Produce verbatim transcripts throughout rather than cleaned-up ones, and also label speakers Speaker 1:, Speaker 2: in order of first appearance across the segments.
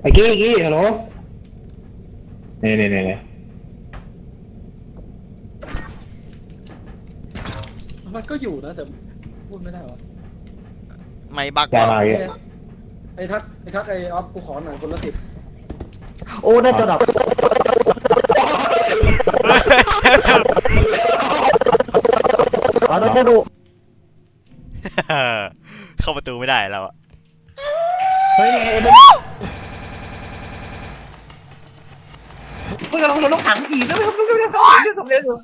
Speaker 1: ไอ้กี้ไอ้กี้ฮัลโหลเนี่ยเนี่ยเนี่ย
Speaker 2: มันก็อยู่นะแต่พูดไม่ได้วะ
Speaker 3: ไม่บัก
Speaker 1: ยา
Speaker 3: ว่ะ
Speaker 1: มาเยอะ
Speaker 2: ไอ้ทักไอ้ทักไอ้ออฟกูขอหน่อยคนละสิบ
Speaker 4: โอ้ได้จะดับอ๋อได้จะดู
Speaker 3: เข้าประตูไม่ได้แล้วอะ
Speaker 1: เฮ้ยไอ้มึงมึงกำลังโดนลูกขังอีกแล้วมึงไม่ได้ทำไม่ได้ทำเร็วอยู่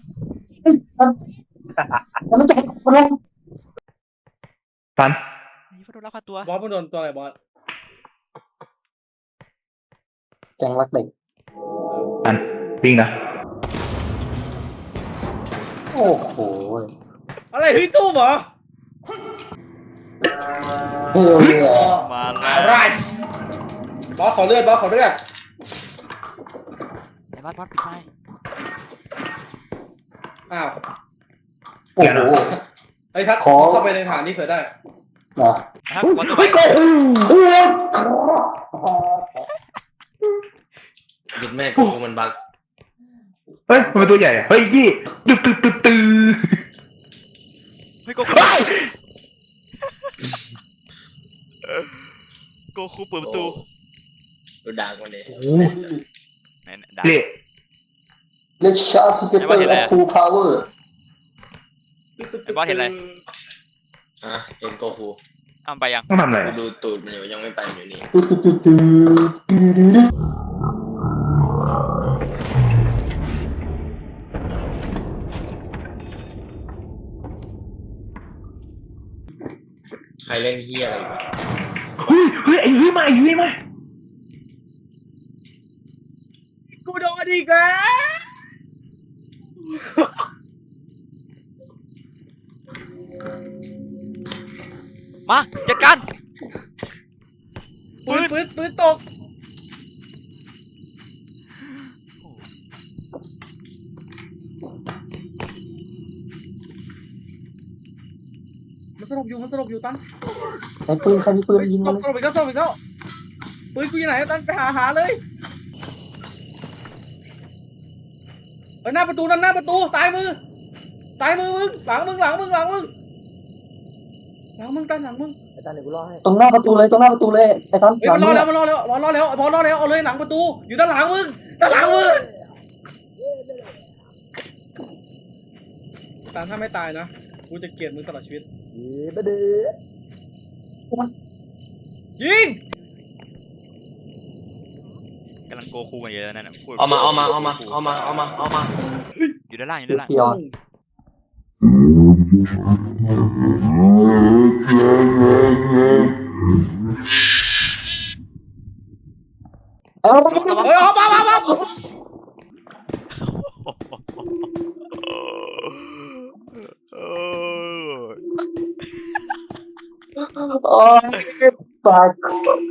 Speaker 4: มันจะมันลง
Speaker 1: ฟัน
Speaker 3: นี่พอโดนลักพาตัว
Speaker 2: บอสมันโดนตัวอะไรบอส
Speaker 4: แกงรักเด็ก
Speaker 1: ฟันวิ่งนะ
Speaker 4: โอ้โห
Speaker 2: อะไรเฮ้ยตู้เหรอ
Speaker 4: เฮ้ย
Speaker 3: มาแล้ว
Speaker 2: ไรบอสขอเลือดบอสขอเลือด
Speaker 3: ไอ้บัสบัสปิดไฟ
Speaker 2: อ้าว
Speaker 4: โอ้โห
Speaker 2: ไอ้ทัก
Speaker 4: ขอ
Speaker 2: เข้าไปในฐานนี้เผื่อได้
Speaker 4: นะ
Speaker 3: ครับขอตัวไป
Speaker 5: หยุดแม่กูมันบัก
Speaker 1: เฮ้ยมันเป็นตัวใหญ่เฮ้ยกี้ตึ๊ดตึ๊ดตึ๊ดตึ๊ด
Speaker 3: เฮ้ยโกคูโกคูเปิดประตู
Speaker 5: ดูดักมันเลย
Speaker 3: ไหนด่า
Speaker 1: เละ
Speaker 4: เลชาร์ที่เป็นตัวและคูพาวเวอร์
Speaker 3: ไอ้บอสเห็นอะไร
Speaker 5: อ่ะเห็นโกคู
Speaker 3: อ้าวไปยัง
Speaker 1: ต้องทำอะไร
Speaker 5: กูดูตูดมันอยู่ยังไม่ไปมันอยู่นี่
Speaker 4: ตุ๊ดตุ๊ดตุ๊ดตุ๊ดตุ๊ด
Speaker 5: ใครเล่นเฮียอะไรวะ
Speaker 1: เฮ้ยเฮ้ยไอ้ยุ้ยมาไอ้ยุ้ยมา
Speaker 2: กูโดนอีกแล้ว
Speaker 3: มาจัดการ
Speaker 2: ปืนปืนปืนตกมันสลบอยู่มันสลบอยู่ตัน
Speaker 4: ไอ้ปืนใครมีปืนยิง
Speaker 2: สล
Speaker 4: มัน
Speaker 2: บสลบอีกแล้วสลบอีกแล้วปืนกูอยู่ไหนตันไปหาหาเลยไปหน้าประตูนั่นหน้าประตูซ้ายมือซ้ายมือมึงหลังมึงหลังมึงหลังมึงหลังมึงตันหลังมึง
Speaker 4: ตรงหน้าประตูเลยตรงหน้าประตูเลยไอ้ตัน
Speaker 2: เฮ้ยมันรอแล้วมันรอแล้วรอรอแล้วพอรอแล้วเอาเลยหลังประตูอยู่ด้านหลังมึงด้านหลังมึงตานถ้าไม่ตายนะกูจะเกลียดมึงตลอดชีวิตยิง
Speaker 3: กำลังโกคูกันอยู่แล้วนั่นน่ะพูด
Speaker 5: เอามาเอามาเอามาเอามาเอามาเอามา
Speaker 3: อยู่ด้านล่างอยู่ด้านล่าง
Speaker 4: เดียวเอ้า
Speaker 2: เฮ้ยออกมามามา
Speaker 4: โอ้ยปาก